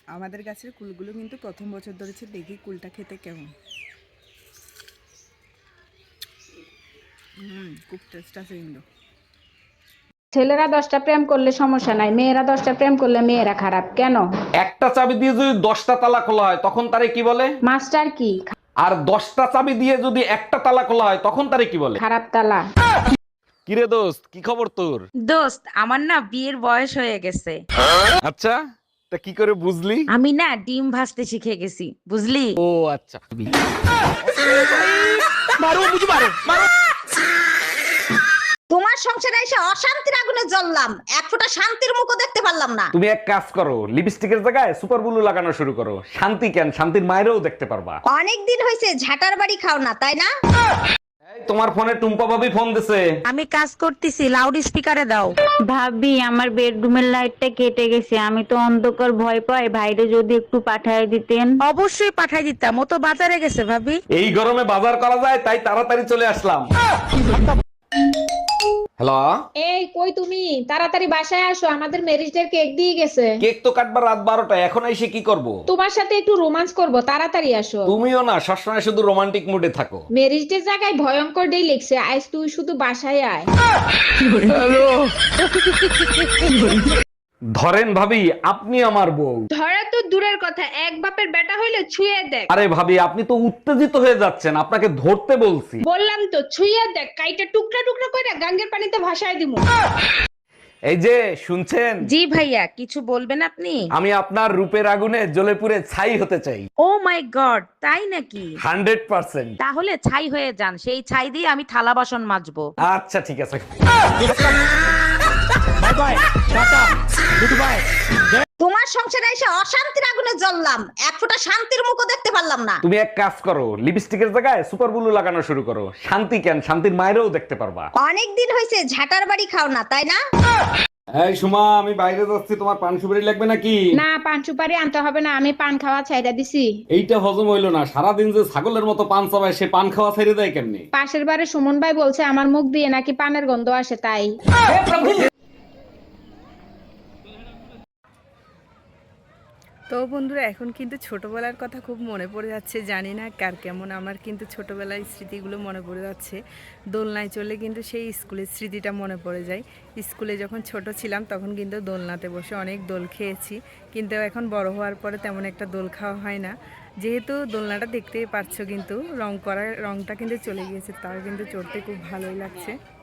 আমাদের গাছের কুলগুলো কিন্তু প্রথম বছর ধরেছে, দেখি কুলটা খেতে কেমন। খুব টেস্ট আছে কিন্তু। ছেলেরা 10টা প্রেম করলে সমস্যা নাই, মেয়েরা 10টা প্রেম করলে মেয়েরা খারাপ কেন? একটা চাবি দিয়ে যদি 10টা তালা খোলা হয় তখন তারে কি বলে? মাস্টার কি? আর 10টা চাবি দিয়ে যদি একটা তালা খোলা হয় তখন তারে কি বলে? খারাপ তালা। কিরে দোস্ত, কি খবর তোর? দোস্ত, আমার না বিয়ের বয়স হয়ে গেছে। আচ্ছা, তা কি করে বুঝলি? আমি না ডিম ভাজতে শিখে গেছি, বুঝলি? ও আচ্ছা। তোমার সংসারে এসে অশান্তির আগুনে জ্বললাম, এক ফোঁটা শান্তির মুখও দেখতে পারলাম না। তুমি এক কাজ করো, লিপস্টিকের জায়গায় সুপার ব্লু লাগানো শুরু করো। শান্তি কেন, শান্তির মায়েরও দেখতে পারবা। অনেক দিন হয়েছে ঝাটার বাড়ি খাও না, তাই না? এই, তোমার ফোনে টুম্পা ভাবি ফোন দিছে। আমি কাজ করতেছি, লাউড স্পিকারে দাও। ভাবি আমার বেডরুমের লাইটটা কেটে গেছে, আমি তো অন্ধকার ভয় পাই, ভাইরে যদি একটু পাঠায় দিতেন। অবশ্যই পাঠাই দিতাম, ও তো বাজারে গেছে ভাবি। এই গরমে বাজার করা যায় তাই তাড়াতাড়ি চলে আসলাম। হ্যালো, এই কই তুমি? তাড়াতাড়ি বাসায় আসো, আমাদের ম্যারেজ ডে কেক দিয়ে গেছে। কেক তো কাটবার রাত 12টা, এখন এসে কি করব? তোমার সাথে একটু রোমান্স করব, তাড়াতাড়ি আসো। তুমিও না সবসময় শুধু রোমান্টিক মুডে থাকো। ম্যারেজ ডে জায়গায় ভয়ঙ্কর ডে লিখছে, আজ তুই শুধু বাসায় আয়। ধরেন ভাবি, আপনি আমার বউ। ধরা তো দূরের কথা, এক বাপের বেটা হইলে ছুঁয়ে দেখ। আরে ভাবি, আপনি তো উত্তেজিত হয়ে যাচ্ছেন, আপনাকে ধরতে বলছি। বললাম তো ছুঁয়ে দেখ, কাইটা টুকরা টুকরা করে গাঙ্গের পানিতে ভাসায় দিমু। এই যে শুনছেন, জি ভাইয়া, কিছু বলবেন আপনি? আমি আপনার রূপের আগুনে জ্বলে পুড়ে ছাই হতে চাই। ও মাই গড, তাই নাকি? 100%। তাহলে ছাই হয়ে যান, সেই ছাই দিয়ে আমি থালা বাসন মাজবো। আচ্ছা ঠিক আছে। তোমার সংসারে এসে অশান্তির আগুনে জ্বললাম, এক ফোঁটা শান্তির মুখও দেখতে পারলাম না। তুমি এক কাজ করো, লিপস্টিকের জায়গায় সুপার ব্লু লাগানো শুরু করো। শান্তি কেন, শান্তির মায়েরও দেখতে পারবা। অনেক দিন হয়েছে ঝাটার বাড়ি খাও না, তাই না? এই সুমা, আমি বাইরে যাচ্ছি, তোমার পান সুপারি লাগবে নাকি? না, পান সুপারি আনতে হবে না, আমি পান খাওয়া ছাইড়া দিছি। এইটা হজম হইলো না, সারাদিন যে ছাগলের মতো পান চাবায়, সে পান খাওয়া ছেড়ে দেয় কেমনি? পাশের বাড়ি সুমন ভাই বলছে আমার মুখ দিয়ে নাকি পানের গন্ধ আসে, তাই। তো বন্ধুরা, এখন কিন্তু ছোটবেলার কথা খুব মনে পড়ে যাচ্ছে, জানি না কার কেমন। আমার কিন্তু ছোটবেলার স্মৃতিগুলো মনে পড়ে যাচ্ছে। দোলনায় চলে কিন্তু সেই স্কুলের স্মৃতিটা মনে পড়ে যায়। স্কুলে যখন ছোট ছিলাম তখন কিন্তু দোলনাতে বসে অনেক দোল খেয়েছি, কিন্তু এখন বড় হওয়ার পরে তেমন একটা দোল খাওয়া হয় না। যেহেতু দোলনাটা দেখতেই পারছো, কিন্তু রংটা কিন্তু চলে গিয়েছে, তাও কিন্তু চড়তে খুব ভালোই লাগছে।